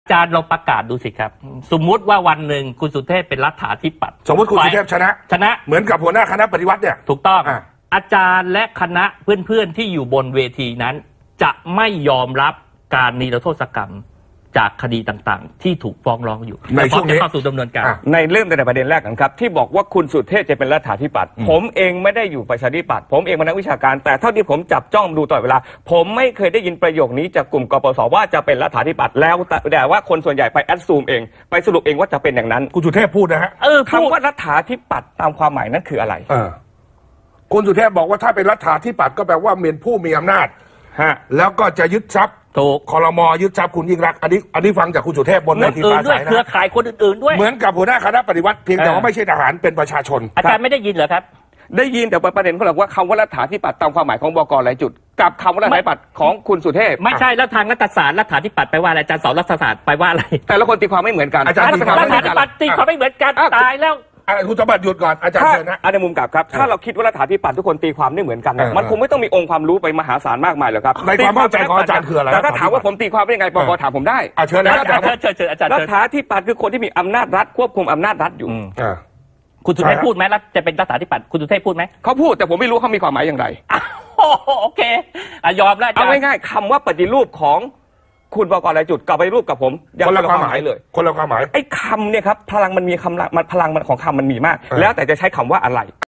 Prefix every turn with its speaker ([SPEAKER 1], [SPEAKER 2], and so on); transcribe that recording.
[SPEAKER 1] จารย์ลองประกาศดูสิครับสมมุติว่าวันหนึ่งคุณสุเทพเป็นรัฐาธิปัตย์
[SPEAKER 2] สมมติคุณสุเทพชนะเหมือนกับหัวหน้าคณะปฏิวัติเนี่ย
[SPEAKER 1] ถูกต้องอาจารย์และคณะเพื่อนๆที่อยู่บนเวทีนั้นจะไม่ยอมรับการนิรโทษกรรมจากคดีต่างๆที่ถูกฟ้องร้องอยู่
[SPEAKER 2] ในช่วงนี้
[SPEAKER 1] เข้าสู่ดำเนินการ
[SPEAKER 3] ในเริ่มแต่ประเด็นแรกกันครับที่บอกว่าคุณสุเทพจะเป็นรัฐาธิปัตย์ผมเองไม่ได้อยู่ประชาธิปัตย์ผมเองเป็นนักวิชาการแต่เท่าที่ผมจับจ้องดูตลอดเวลาผมไม่เคยได้ยินประโยคนี้จากกลุ่มกปสว่าจะเป็นรัฐาธิปัตย์แล้วแต่ว่าคนส่วนใหญ่ไปแอดซูมเองไปสรุปเองว่าจะเป็นอย่างนั้น
[SPEAKER 2] คุณสุเทพพูดนะฮะ
[SPEAKER 3] คำว่ารัฐาธิปัตย์ตามความหมายนั้นคืออะไร
[SPEAKER 2] คุณสุเทพบอกว่าถ้าเป็นรัฐาธิปัตย์ก็แปลว่าเป็นผู้มีอำนาจแล้วก็จะยึดทรัพย์
[SPEAKER 1] ถูก
[SPEAKER 2] ครม.ยึดทรัพย์คุณยิ่งรักอันนี้ฟังจากคุณสุเทพบนเวทีปราศัยนะ
[SPEAKER 1] เครือข่ายคนอื่นๆด้วย
[SPEAKER 2] เหมือนกับหัวหน้าคณะปฏิวัติเพียงแต่ว่าไม่ใช่ทหารเป็นประชาชน
[SPEAKER 1] อาจารย์ไม่ได้ยินเหรอครับ
[SPEAKER 3] ได้ยินแต่ประเด็นเขาบอกว่าคำว่ารัฐาธิปัตย์ตามความหมายของบก.หลายจุดกับคำว่ารัฐาธิปัตย์ของคุณสุเทพ
[SPEAKER 1] ไม่ใช่แล้วทางรัฐศาสตร์รัฐาธิปัตย์ไปว่าอะไรอาจารย์สอนรัฐศาสตร์ไปว่าอะไร
[SPEAKER 3] แต่ละคนตีความไม่เหมือนกัน
[SPEAKER 2] อาจารย์
[SPEAKER 1] รัฐาธิปัตย์ตีความไม่เหมือนกันตายแล้ว
[SPEAKER 2] คุณสมบัติหยุดก่อนอาจารย์เชิญนะ
[SPEAKER 3] ในมุมกลับครับถ้าเราคิดว่ารัฐาธิปัตย์ทุกคนตีความไม่เหมือนกันมันคงไม่ต้องมีองค์ความรู้ไปมหาศาลมากมายหรอกครับ
[SPEAKER 2] ในความเข้าใจของอาจารย์คืออะไร
[SPEAKER 3] แต่ถ้าถามว่าผมตีความเป็นยังไงปปถามผมได้
[SPEAKER 2] เชิญนะ
[SPEAKER 1] อาจารย์เชิญ
[SPEAKER 3] รัฐาธิปัตย์คือคนที่มีอำนาจรัฐควบคุมอำนาจรัฐอยู่
[SPEAKER 1] คุณสุเทพพูดไหมรัฐจะเป็นรัฐาธิปัตย์คุณสุเทพพูดไหม
[SPEAKER 3] เขาพูดแต่ผมไม่รู้เขามีความหมายอย่างไร
[SPEAKER 1] โอเคยอมแล้ว
[SPEAKER 3] เอาง่ายๆคำว่าปฏิรูปของคุณบก.หลายจุดกับปฏิรูปกับผม
[SPEAKER 2] คนละความหมายเลยคนละความหมาย
[SPEAKER 3] ไอ้คำเนี่ยครับพลังมันมีพลังมันของคำมันมีมากแล้วแต่จะใช้คำว่าอะไร